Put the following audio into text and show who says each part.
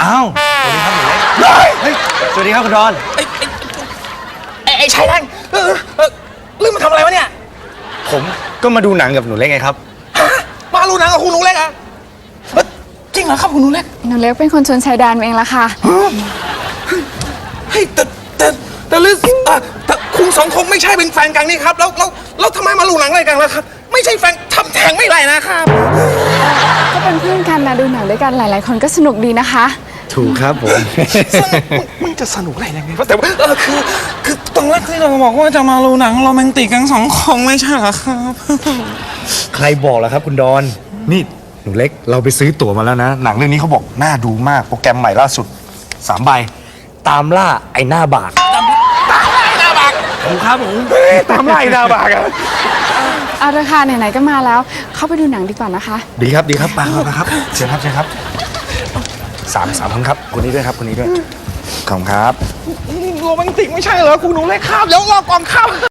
Speaker 1: อ้าวสวัสดีครับหนูเล็กเฮ้ยสวัสดีครับคุณดอน
Speaker 2: ไอ้ชายแดงเรื่องมาทำอะไรวะเนี่ย
Speaker 1: ผมก็มาดูหนังกับหนูเล็กไงครับ
Speaker 2: มาดูหนังกับคุณหนูเล็กอะจริงเหรอครับคุณหนูเล็ก
Speaker 3: หนูเล็กเป็นคนชวนชายแดนเองละค่ะ
Speaker 2: เฮ้ยแต่เรื่องแต่คุณสองคงไม่ใช่เป็นแฟนกันนี่ครับแล้วทำไมมาดูหนังอะไรกันล่ะครับไม่ใช่แฟนทำแทงไม่ไรนะครับ
Speaker 3: ก็เป็นเพื่อนกันนะดูหนังด้วยกันหลายๆคนก็สนุกดีนะคะ
Speaker 1: ถูกครับผม
Speaker 2: มันจะสนุกอะไรยังไงแต่ว่าคือตอนแรกที่เราบอกว่าจะมาดูหนังโรแมนติกกัน2 คนไม่ใช่เหรอครับ
Speaker 1: ใครบอกล่ะครับคุณดอนนี่หนูเล็กเราไปซื้อตั๋วมาแล้วนะหนังเรื่องนี้เขาบอกน่าดูมากโปรแกรมใหม่ล่าสุด3 ใบตามล่าไอ้หน้าบากถูกครับผมตามล่าไอ้หน้าบากอะ
Speaker 3: เอาเถอะค่ะไหนๆก็มาแล้วเข้าไปดูหนังดีกว่านะคะ
Speaker 1: ดีครับมาครับเชิญครับ3 คนครับคนนี้ด้วยครับคนนี้ด้วยขอบคุณครับ
Speaker 2: โรแมนติกไม่ใช่เหรอคุณหนูเล็กครับเดี๋ยวรอก่อนครับ